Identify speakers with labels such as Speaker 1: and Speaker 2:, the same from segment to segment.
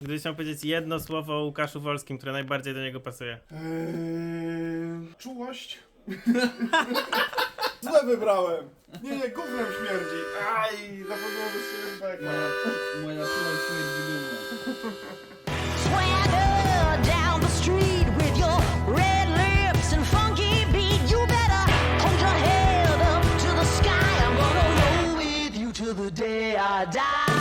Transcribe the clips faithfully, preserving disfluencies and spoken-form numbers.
Speaker 1: Gdybyś chciał powiedzieć jedno słowo o Łukaszu Wolskim, które najbardziej do niego pasuje.
Speaker 2: Eee, czułość? Złe wybrałem! Nie, nie, gównem śmierdzi. Aj, zapomniałem sobie beka.
Speaker 3: Moja czułość śmierdzi gówno.
Speaker 4: Swagger down the street with your red lips and funky beat. You better hold your head up to the sky. I'm gonna roll with you till the day I die.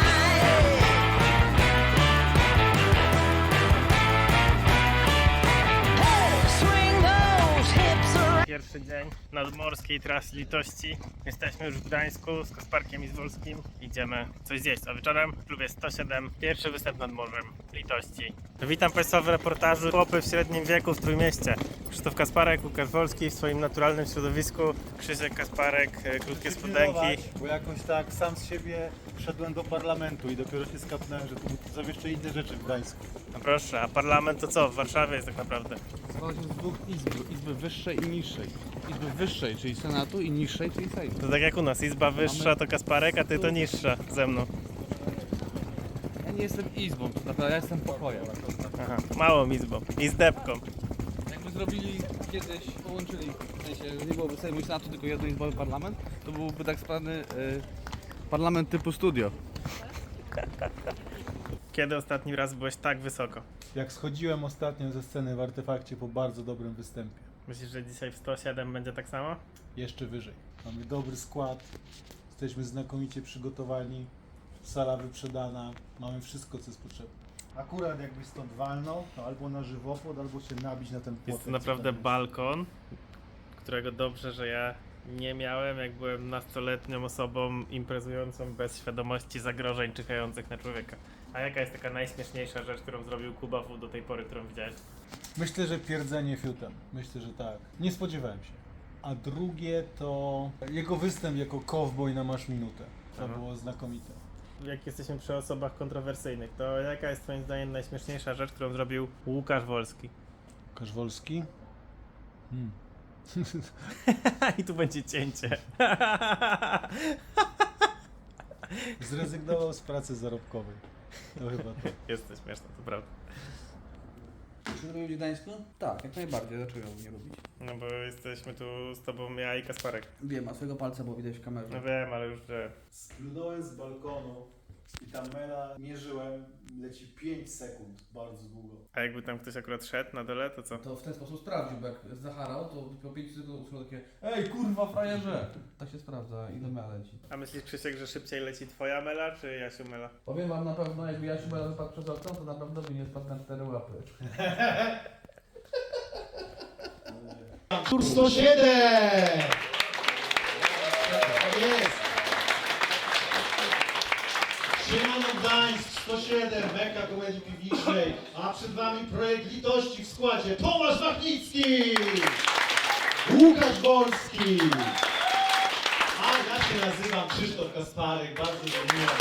Speaker 4: Hey, swing those hips around.
Speaker 1: Pierwszy dzień nadmorskiej trasy Litości. Jesteśmy już w Gdańsku z Kasparkiem i z Wolskim. Idziemy coś zjeść, a wieczorem w klubie sto siedem pierwszy występ nad morzem Litości. Witam Państwa w reportażu Chłopy w średnim wieku w Trójmieście. Krzysztof Kasparek, Łukasz Wolski w swoim naturalnym środowisku. Krzysiek Kasparek, e, krótkie spodenki.
Speaker 5: Bo jakoś tak sam z siebie wszedłem do parlamentu i dopiero się skapnąłem, że tu są jeszcze inne rzeczy w Gdańsku.
Speaker 1: No proszę, a parlament to co? W Warszawie jest tak naprawdę.
Speaker 3: Składa się z dwóch izb, izby wyższej i niższej. Izby wyższej, czyli Senatu, i niższej, czyli Sejmu.
Speaker 1: To tak jak u nas, izba wyższa to Kasparek, a ty to niższa ze mną.
Speaker 3: Ja nie jestem izbą, to naprawdę ja jestem pokojem.
Speaker 1: Aha, małą izbą i z depką.
Speaker 3: Jakby zrobili kiedyś, połączyli, w sensie, że nie byłoby Sejmu i Senatu, tylko jednoizbowy parlament, to byłby tak zwany y, parlament typu studio.
Speaker 1: Kiedy ostatni raz byłeś tak wysoko?
Speaker 5: Jak schodziłem ostatnio ze sceny w Artefakcie po bardzo dobrym występie.
Speaker 1: Myślisz, że dzisiaj w sto siedem będzie tak samo?
Speaker 5: Jeszcze wyżej. Mamy dobry skład, jesteśmy znakomicie przygotowani, sala wyprzedana, mamy wszystko co jest potrzebne. Akurat jakbyś stąd walnął, to albo na żywopłot, albo się nabić na ten płotek.
Speaker 1: Jest to naprawdę
Speaker 5: co tam jest.
Speaker 1: balkon, którego dobrze, że ja nie miałem, jak byłem nastoletnią osobą imprezującą bez świadomości zagrożeń czyhających na człowieka. A jaka jest taka najśmieszniejsza rzecz, którą zrobił Kuba W do tej pory, którą widziałeś?
Speaker 5: Myślę, że pierdzenie fiutem. Myślę, że tak. Nie spodziewałem się. A drugie to jego występ jako cowboy na Masz Minutę. To
Speaker 1: Aha.
Speaker 5: było znakomite.
Speaker 1: Jak jesteśmy przy osobach kontrowersyjnych, to jaka jest twoim zdaniem najśmieszniejsza rzecz, którą zrobił Łukasz Wolski?
Speaker 5: Łukasz Wolski? Hmm.
Speaker 1: I tu będzie cięcie.
Speaker 5: Zrezygnował z pracy zarobkowej. To chyba to.
Speaker 1: Jest to śmieszne, to prawda.
Speaker 3: Czy lubisz w Gdańsku? Tak, jak najbardziej. Dlaczego nie lubić?
Speaker 1: No bo jesteśmy tu z tobą, ja i Kasparek.
Speaker 3: Wiem, a swojego palca było widać w kamerze.
Speaker 1: No wiem, ale już że...
Speaker 5: Splunąłem z balkonu i ta mela, mierzyłem, leci pięć sekund, bardzo długo.
Speaker 1: A jakby tam ktoś akurat szedł na dole, to co?
Speaker 3: To w ten sposób sprawdził, bo jak zacharał, to po pięciu sekundach usłyszał takie ej, kurwa, frajerze! Tak się sprawdza, ile mela leci.
Speaker 1: A myślisz, Krzysiek, że szybciej leci twoja mela, czy Jasiu mela?
Speaker 3: Powiem wam na pewno, jakby Jasiu Mela wypadł przez okno, to na pewno by nie spadł na cztery łapy.
Speaker 2: Tur sto siedem! Tak jest! Siemano Gdańsk, sto siedem, Meka Komedii Piwniczej, a przed wami projekt Litości w składzie Tomasz Wachnicki! Łukasz Wolski! A ja się nazywam Krzysztof Kasparek, bardzo mi miło.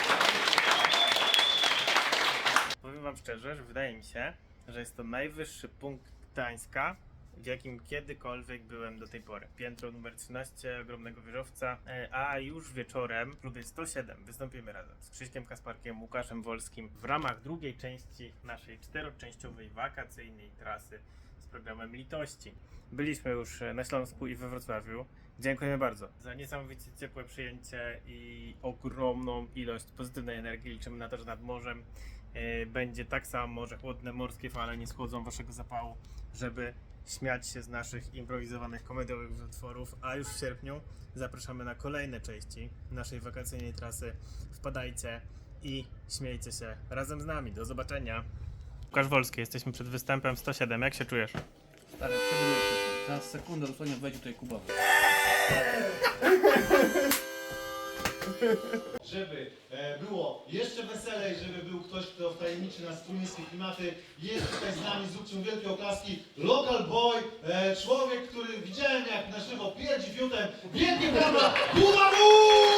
Speaker 1: Powiem wam szczerze, że wydaje mi się, że jest to najwyższy punkt Gdańska, w jakim kiedykolwiek byłem do tej pory. Piętro numer trzynaście, ogromnego wieżowca, e, a już wieczorem w klubie sto siedem wystąpimy razem z Krzyśkiem Kasparkiem, Łukaszem Wolskim w ramach drugiej części naszej czteroczęściowej wakacyjnej trasy z programem Litości. Byliśmy już na Śląsku i we Wrocławiu. Dziękujemy bardzo za niesamowicie ciepłe przyjęcie i ogromną ilość pozytywnej energii. Liczymy na to, że nad morzem e, będzie tak samo, że chłodne morskie fale nie schłodzą waszego zapału, żeby śmiać się z naszych improwizowanych komediowych utworów, a już w sierpniu zapraszamy na kolejne części naszej wakacyjnej trasy. Wpadajcie i śmiejcie się razem z nami. Do zobaczenia. Łukasz Wolski, jesteśmy przed występem sto siedem. Jak się czujesz?
Speaker 3: Stary, przebyłem się. Za sekundę dosłownie wejdzie tutaj Kuba.
Speaker 2: Żeby e, było jeszcze weselej, żeby był ktoś, kto wtajemniczy nas w trójmiejskie klimaty. Jest tutaj z nami, zróbcie mu wielkie oklaski. Local boy, e, człowiek, który widziałem jak na żywo pierdzi fiutem. Wielkie brawa, Kuba W!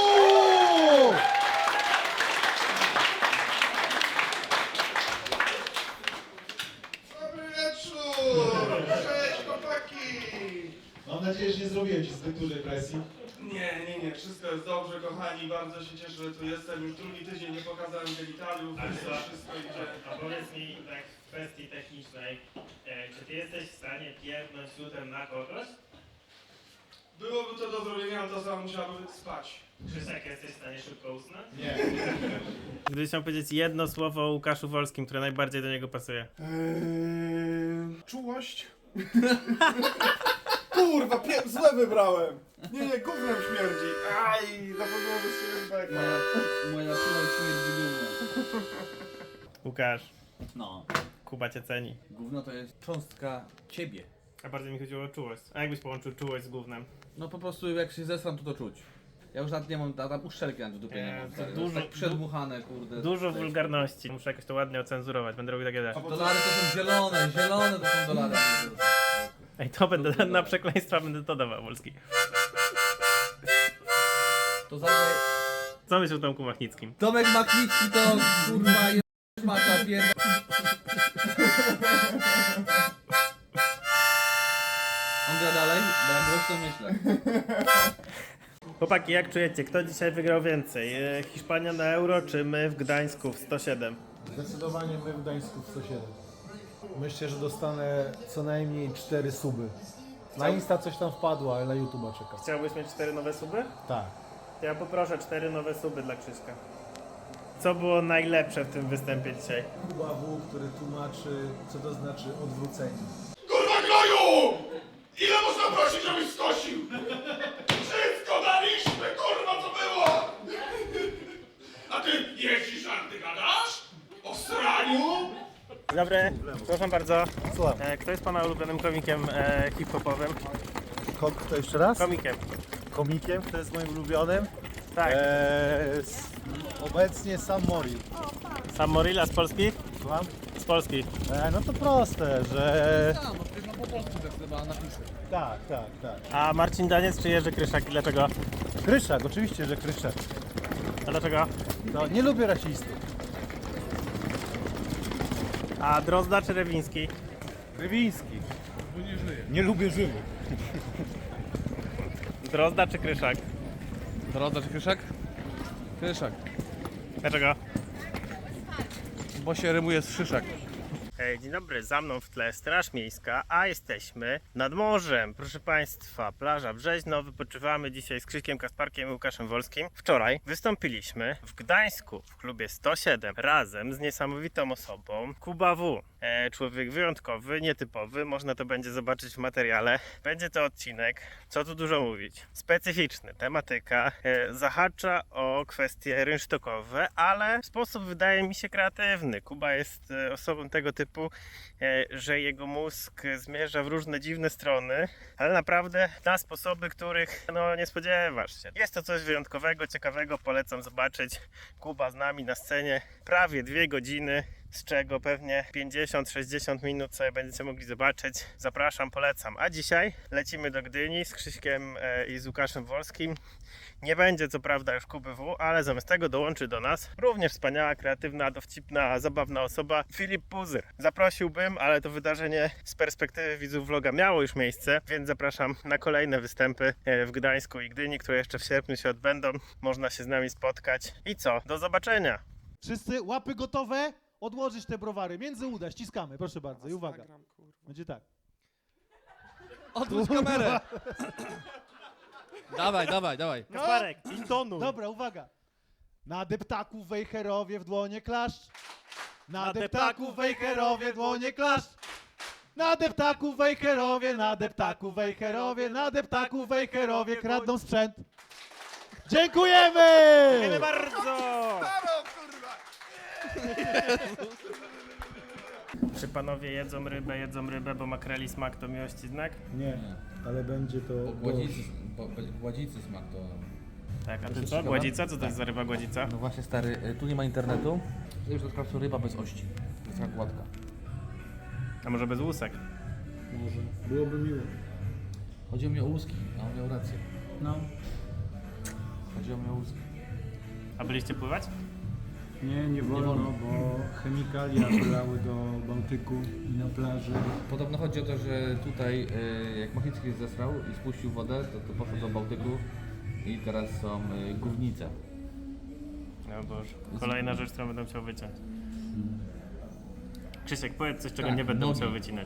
Speaker 2: Dobry wieczór! Cześć chłopaki! Mam nadzieję, że nie zrobiłem ci zbyt dużej presji.
Speaker 6: Nie, nie, nie, wszystko jest dobrze, kochani, bardzo się cieszę, że tu jestem. Już drugi tydzień nie pokazałem genitaliów,
Speaker 1: Ale
Speaker 6: więc
Speaker 1: to-
Speaker 6: wszystko idzie.
Speaker 1: A powiedz mi tak w kwestii technicznej, e, czy ty jesteś w stanie pierdnąć lutem na kogoś?
Speaker 6: Byłoby to do zrobienia, ale to samo musiałabym spać.
Speaker 1: Krzysiek, jesteś w stanie szybko usnąć?
Speaker 2: Nie.
Speaker 1: Gdybyś chciał powiedzieć jedno słowo o Łukaszu Wolskim, które najbardziej do niego pasuje.
Speaker 7: Eee, czułość? Kurwa, pie- złe wybrałem! Nie, nie, gównem śmierdzi. Aj, zapomniałem sobie beka.
Speaker 3: Moja, moja czułość śmierdzi gówno.
Speaker 1: Łukasz,
Speaker 3: No.
Speaker 1: Kuba cię ceni.
Speaker 3: Gówno to jest cząstka ciebie.
Speaker 1: A bardziej mi chodziło o czułość. A jakbyś połączył czułość z gównem?
Speaker 3: No po prostu jak się zesram, to to czuć. Ja już nawet nie mam, tam uszczelki na dupie nie
Speaker 1: Nie,
Speaker 3: mam.
Speaker 1: to
Speaker 3: stary.
Speaker 1: dużo-
Speaker 3: jest tak przedmuchane, kurde.
Speaker 1: Dużo
Speaker 3: To jest-
Speaker 1: wulgarności. Muszę jakoś to ładnie ocenzurować, będę robił takie rzeczy.
Speaker 3: Dolary to są zielone, zielone to są dolary.
Speaker 1: Ej, to będę na przekleństwa będę to dawał, Wolski.
Speaker 3: To zawsze...
Speaker 1: Co myślisz o Tomku Machnickim?
Speaker 3: Tomek Machnicki to kurwa jest mata pierda. On gra dalej? Bo ja głośno myślę.
Speaker 1: Chłopaki, jak czujecie? Kto dzisiaj wygrał więcej? E, Hiszpania na Euro, czy my w Gdańsku w sto siedem?
Speaker 5: Zdecydowanie my w Gdańsku w sto siedem. Myślę, że dostanę co najmniej cztery suby. Na Insta coś tam wpadło, ale na YouTube'a czekam.
Speaker 1: Chciałbyś mieć cztery nowe suby?
Speaker 5: Tak.
Speaker 1: To ja poproszę cztery nowe suby dla Krzyśka. Co było najlepsze w tym występie dzisiaj?
Speaker 5: Kuba W, który tłumaczy, co to znaczy odwrócenie.
Speaker 6: Kurwa gnoju! Ile można prosić, żebyś skosił? Wszystko daliśmy, kurwa, co było! A ty jeździsz, a ty gadasz? O sraniu?
Speaker 1: Dzień dobry, przepraszam bardzo.
Speaker 5: Słucham.
Speaker 1: E, kto jest pana ulubionym komikiem e, hip-hopowym?
Speaker 5: Ko- kto jeszcze raz?
Speaker 1: Komikiem.
Speaker 5: Komikiem, kto jest moim ulubionym?
Speaker 1: Tak.
Speaker 5: Eee, s- obecnie Sam Mori.
Speaker 1: Sam Morilla z Polski?
Speaker 5: Słucham?
Speaker 1: Z Polski.
Speaker 5: Eee, no to proste, że...
Speaker 3: A, no przecież no po polsku tak chyba napiszę.
Speaker 5: Tak, tak, tak.
Speaker 1: A Marcin Daniec czy Jerzy Kryszak i dlaczego?
Speaker 5: Kryszak, oczywiście, że Kryszak.
Speaker 1: A dlaczego?
Speaker 5: No, nie lubię rasistów.
Speaker 1: A Drozda czy Rewiński?
Speaker 5: Rywiński.
Speaker 3: Bo nie żyje.
Speaker 5: Nie lubię żywych.
Speaker 1: Drozda czy Kryszak?
Speaker 3: Drodzy, czy Kryszak? Kryszak.
Speaker 1: Dlaczego?
Speaker 3: Bo się rymuje z szyszak.
Speaker 1: Hej, dzień dobry, za mną w tle Straż Miejska, a jesteśmy nad morzem. Proszę Państwa, plaża Brzeźno, wypoczywamy dzisiaj z Krzyśkiem Kasparkiem i Łukaszem Wolskim. Wczoraj wystąpiliśmy w Gdańsku w klubie sto siedem razem z niesamowitą osobą Kuba W. E, człowiek wyjątkowy, nietypowy, można to będzie zobaczyć w materiale. Będzie to odcinek, co tu dużo mówić, specyficzny, tematyka, e, zahacza o kwestie rynsztokowe, ale w sposób wydaje mi się kreatywny. Kuba jest e, osobą tego typu, e, że jego mózg zmierza w różne dziwne strony, ale naprawdę na sposoby, których no, nie spodziewasz się. Jest to coś wyjątkowego, ciekawego, polecam zobaczyć. Kuba z nami na scenie prawie dwie godziny, z czego pewnie pięćdziesiąt sześćdziesiąt minut sobie będziecie mogli zobaczyć. Zapraszam, polecam. A dzisiaj lecimy do Gdyni z Krzyśkiem e, i z Łukaszem Wolskim. Nie będzie co prawda już Kuby W, ale zamiast tego dołączy do nas również wspaniała, kreatywna, dowcipna, zabawna osoba Filip Puzyr. Zaprosiłbym, ale to wydarzenie z perspektywy widzów vloga miało już miejsce, więc zapraszam na kolejne występy e, w Gdańsku i Gdyni, które jeszcze w sierpniu się odbędą. Można się z nami spotkać. I co? Do zobaczenia!
Speaker 5: Wszyscy łapy gotowe? Odłożyć te browary. Między uda, ściskamy, proszę bardzo. I uwaga. Będzie tak.
Speaker 3: Odwróć kamerę! Dawaj, dawaj, dawaj.
Speaker 1: Kasparek, i tonu!
Speaker 5: Dobra, uwaga. Na deptaku w Wejherowie w dłonie klaszcz. Na,
Speaker 1: Na
Speaker 5: deptaku
Speaker 1: deptaku
Speaker 5: w Wejherowie w dłonie klaszcz. Na deptaku w Wejherowie, na deptaku w Wejherowie, na deptaku w Wejherowie kradną sprzęt. Dziękujemy!
Speaker 1: Dziękujemy bardzo! Czy panowie jedzą rybę, jedzą rybę, bo makreli smak to miłości znak?
Speaker 5: Nie, ale będzie to...
Speaker 3: Gładzicy, gładzicy smak to...
Speaker 1: Tak, a ty
Speaker 3: jest
Speaker 1: co?
Speaker 3: ciekawe?
Speaker 1: Gładzica? Co to jest za ryba gładzica?
Speaker 3: No właśnie stary, y, tu nie ma internetu. To już to ryba bez ości. Jest taka gładka.
Speaker 1: A może bez łusek?
Speaker 5: Może. Byłoby miło.
Speaker 3: Chodziło mi o łuski, a on miał rację.
Speaker 5: No.
Speaker 3: Chodziło mi o łuski.
Speaker 1: A byliście pływać?
Speaker 5: Nie, nie wolno,
Speaker 3: wolno.
Speaker 5: bo chemikalia wlały do Bałtyku i na plaży.
Speaker 3: Podobno chodzi o to, że tutaj y, jak Machnicki zesrał i spuścił wodę, to, to poszło do Bałtyku i teraz są y, gównice.
Speaker 1: No Boże, kolejna rzecz, którą będę musiał wyciąć. Krzysiek, powiedz coś, czego
Speaker 3: Tak,
Speaker 1: nie będę
Speaker 3: nogi.
Speaker 1: musiał wycinać.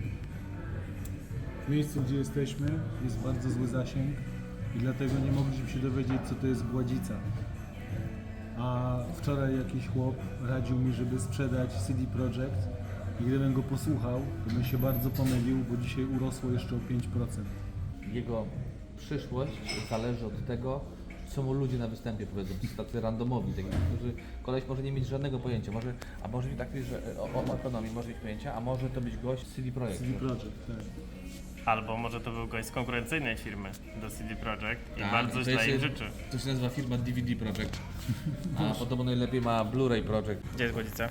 Speaker 5: W miejscu, gdzie jesteśmy, jest bardzo zły zasięg i dlatego nie mogliśmy się dowiedzieć, co to jest gładzica. A wczoraj jakiś chłop radził mi, żeby sprzedać C D Projekt i gdybym go posłuchał, to bym się bardzo pomylił, bo dzisiaj urosło jeszcze o pięć procent.
Speaker 3: Jego przyszłość zależy od tego, co mu ludzie na występie powiedzą. To są tacy randomowi, taki, którzy koleś może nie mieć żadnego pojęcia. Może, a może być taki, że o, o ekonomii może mieć pojęcia, a może to być gość z C D Projekt.
Speaker 5: C D Projekt, tak.
Speaker 1: Albo może to był gość z konkurencyjnej firmy do C D Projekt i
Speaker 3: Tak,
Speaker 1: bardzo
Speaker 3: to
Speaker 1: źle
Speaker 3: jest-
Speaker 1: im życzy.
Speaker 3: To się nazywa firma D V D Projekt. A podobno najlepiej ma Blu-ray Projekt.
Speaker 1: Gdzie jest głodzica?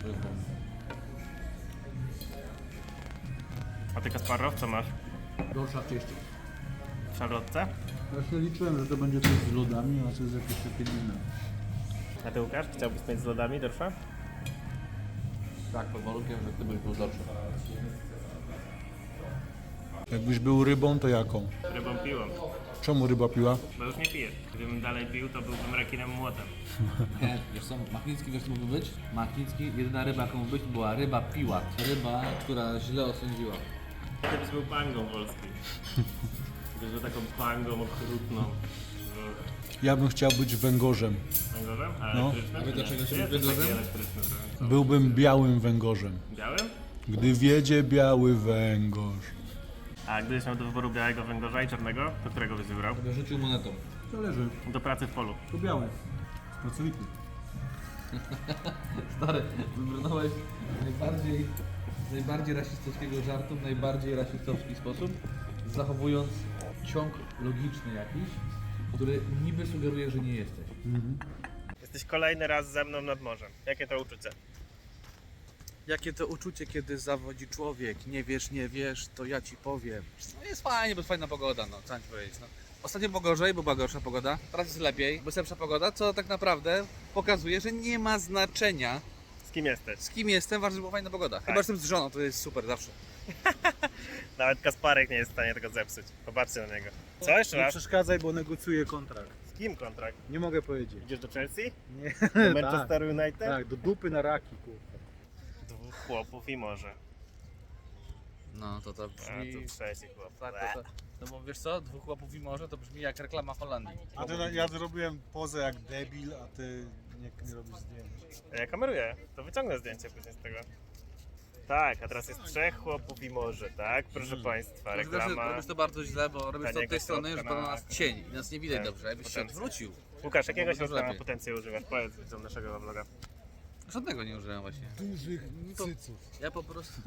Speaker 1: A ty, Kasparow, co masz?
Speaker 3: Gorsza wcześniej.
Speaker 1: W szarlotce?
Speaker 5: Właśnie liczyłem, że to będzie coś z lodami, a to jest jakieś takie inne.
Speaker 1: A ty, Łukasz, chciałbyś mieć z lodami dorsza?
Speaker 3: Tak, pod warunkiem, że ty byś był dorszy.
Speaker 5: Jakbyś był rybą, to jaką?
Speaker 1: Rybą piłą,
Speaker 5: Czemu ryba piła?
Speaker 1: bo już nie piję. Gdybym dalej pił, to byłbym rekinem młotem.
Speaker 3: Nie, wiesz co, Machnicki wiesz co mógłby być? Machnicki, jedyna ryba jaką mógł być była ryba piła. Ryba, która źle osądziła.
Speaker 1: Kiedyś był pangą polskiej. Gdybyś był taką pangą okrutną.
Speaker 5: Ja bym chciał być węgorzem.
Speaker 1: Węgorzem? A
Speaker 5: No.
Speaker 1: elektrycznym?
Speaker 3: A wy dlaczego
Speaker 1: Nie,
Speaker 3: się
Speaker 1: ty jesteś
Speaker 3: węgorzem?
Speaker 1: taki elektryczny trochę.
Speaker 5: Byłbym białym węgorzem.
Speaker 1: Białym?
Speaker 5: Gdy wiedzie biały węgorz.
Speaker 1: A gdybyś miał do wyboru białego węgorza i czarnego, to którego byś wybrał?
Speaker 3: Sobie rzucił monetą.
Speaker 5: Zależy.
Speaker 1: Do pracy w polu.
Speaker 5: To biały. Pracowity.
Speaker 3: Stary, wybrnąłeś najbardziej, z najbardziej rasistowskiego żartu w najbardziej rasistowski sposób, zachowując ciąg logiczny jakiś, który niby sugeruje, że nie jesteś.
Speaker 1: Jesteś kolejny raz ze mną nad morzem. Jakie to uczucie?
Speaker 3: Jakie to uczucie, kiedy zawodzi człowiek, nie wiesz, nie wiesz, to ja ci powiem. No jest fajnie, bo jest fajna pogoda, no, co mam ci powiedzieć, no. Ostatnio było gorzej, bo była gorsza pogoda, teraz jest lepiej, bo jest lepsza pogoda, co tak naprawdę pokazuje, że nie ma znaczenia,
Speaker 1: Z kim jesteś?
Speaker 3: z kim jestem, ważne, że była fajna pogoda. Chyba, że jestem z żoną, to jest super zawsze.
Speaker 1: Nawet Kasparek nie jest w stanie tego zepsuć. Popatrzcie na niego. Co jeszcze
Speaker 5: Nie
Speaker 1: raz?
Speaker 5: przeszkadzaj, bo negocjuję kontrakt.
Speaker 1: Z kim kontrakt?
Speaker 5: Nie mogę powiedzieć.
Speaker 1: Idziesz do Chelsea?
Speaker 5: Nie.
Speaker 1: Do Manchester United?
Speaker 5: Tak, do dupy na raki, kurwa.
Speaker 1: Dwóch chłopów i morze.
Speaker 3: No to to
Speaker 1: A
Speaker 3: brzmi...
Speaker 1: tu trzeci chłop.
Speaker 3: Tak, to, to, no bo wiesz co, dwóch chłopów i morze to brzmi jak reklama Holandii.
Speaker 5: A ty, ja zrobiłem pozę jak debil, a ty nie, nie robisz zdjęć.
Speaker 1: Ja kameruję, to wyciągnę zdjęcie później z tego. Tak, a teraz jest trzech chłopów i morze, tak? Proszę Państwa,
Speaker 3: Robisz to,
Speaker 1: reklama.
Speaker 3: robisz to bardzo źle, bo robisz to od
Speaker 1: Taniego
Speaker 3: tej strony, że
Speaker 1: spotka
Speaker 3: to
Speaker 1: na-
Speaker 3: na nas cień i nas nie widać
Speaker 1: Tak,
Speaker 3: dobrze, jakbyś się
Speaker 1: potencjał.
Speaker 3: odwrócił.
Speaker 1: Łukasz, jakiego
Speaker 3: Byłoby dużo
Speaker 1: środka na
Speaker 3: lepiej.
Speaker 1: potencję używasz? Powiedz widzom naszego vloga.
Speaker 3: Żadnego nie użyłem właśnie.
Speaker 5: Dużych cyców.
Speaker 3: Ja po prostu,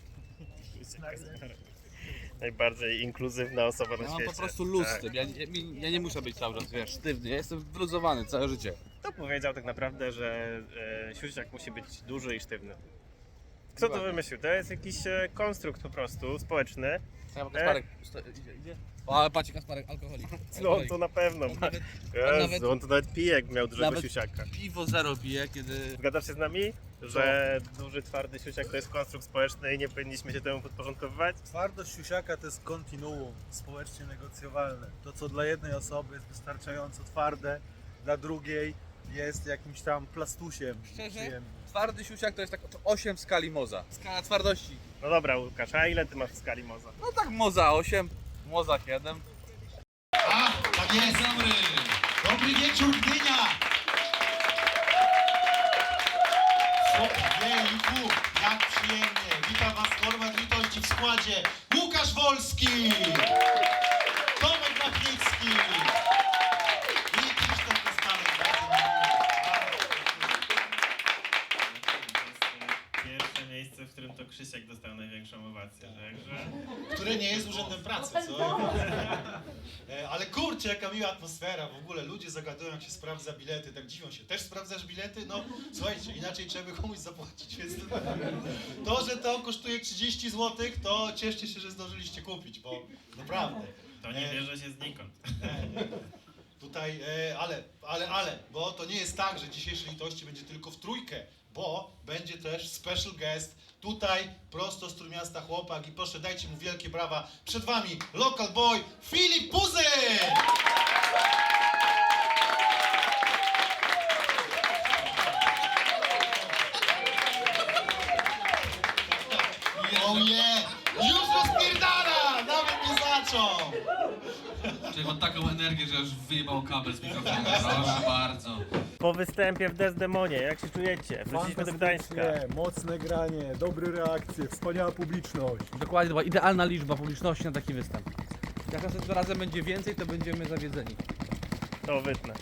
Speaker 1: Najbardziej inkluzywna osoba na
Speaker 3: ja mam
Speaker 1: świecie.
Speaker 3: po prostu luz z
Speaker 1: Tak.
Speaker 3: tym, ja, ja, ja nie muszę być cały czas, wiesz, sztywny, ja jestem wyluzowany całe życie.
Speaker 1: Kto powiedział tak naprawdę, że e, siusiak musi być duży i sztywny? Kto to
Speaker 3: Dokładnie.
Speaker 1: wymyślił? To jest jakiś e, konstrukt po prostu społeczny.
Speaker 3: Ja mam Kasparek, sto- idzie, idzie. O, ale patrzcie, Kasparek, alkoholik.
Speaker 1: No on to na pewno
Speaker 3: On
Speaker 1: ma.
Speaker 3: nawet-
Speaker 1: Jezu,
Speaker 3: nawet-
Speaker 1: on to nawet pije, jak miał dużego
Speaker 3: nawet-
Speaker 1: siusiaka.
Speaker 3: Piwo zero pije, kiedy...
Speaker 1: Zgadzasz się z nami, że duży, twardy siusiak to jest konstrukt społeczny i nie powinniśmy się temu podporządkowywać?
Speaker 5: Twardość siusiaka to jest kontinuum społecznie negocjowalne. To, co dla jednej osoby jest wystarczająco twarde, dla drugiej jest jakimś tam plastusiem
Speaker 3: Szczerze?
Speaker 5: przyjemnym.
Speaker 3: Twardy siusiak to jest tak osiem w skali Moza. Skala twardości.
Speaker 1: No dobra, Łukasz, a ile ty masz w skali moza?
Speaker 3: No tak Moza osiem, Moza siedem.
Speaker 2: A, tak jest. Dobry. Dobry wieczór, Gdynia. Ojejku, jak przyjemnie. Witam Was, Korwat Litości w składzie. Łukasz Wolski, Tomek Machnicki i Krzysztof Kasparek.
Speaker 1: Pierwsze miejsce, w którym to Krzysiek dostał największą owację, także...
Speaker 2: Które nie jest urzędem pracy, co? E, Ale kurczę, jaka miła atmosfera, w ogóle ludzie zagadują, jak się sprawdza bilety, tak dziwią się. Też sprawdzasz bilety? No słuchajcie, inaczej trzeba by komuś zapłacić, więc to, że to kosztuje trzydzieści złotych, to cieszcie się, że zdążyliście kupić, bo naprawdę.
Speaker 1: To nie
Speaker 2: E,
Speaker 1: bierze się znikąd.
Speaker 2: nie, nie. Tutaj, e, ale, ale, ale, bo to nie jest tak, że dzisiejsze litości będzie tylko w trójkę, bo będzie też special guest tutaj, prosto z Trójmiasta chłopak i proszę dajcie mu wielkie brawa. Przed wami local boy Filip Puzyk! Oh yeah! Już rozpierdala! Nawet nie zaczął!
Speaker 3: Czyli mam taką energię, że aż wyjebał kabel z mikrofonu. Proszę bardzo.
Speaker 1: Po występie w Desdemonie, jak się czujecie? Wróciliśmy do Gdańska.
Speaker 5: Fantastycznie, mocne granie, dobre reakcje, wspaniała publiczność.
Speaker 3: Dokładnie, to była idealna liczba publiczności na taki występ. Jak następnym razem będzie więcej, to będziemy zawiedzeni.
Speaker 1: To wytnę.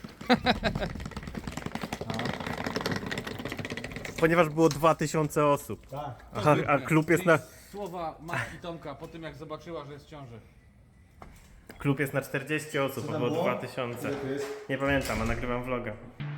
Speaker 1: Ponieważ było dwa tysiące osób.
Speaker 5: Tak.
Speaker 1: A, a klub jest na,
Speaker 3: Słowa matki Tomka po tym, jak zobaczyła, że jest w ciąży.
Speaker 1: klub jest na czterdzieści osób,
Speaker 5: Co
Speaker 1: a
Speaker 5: tam
Speaker 1: było
Speaker 5: było?
Speaker 1: dwa tysiące.
Speaker 5: Co to jest?
Speaker 1: Nie pamiętam, a nagrywam vloga.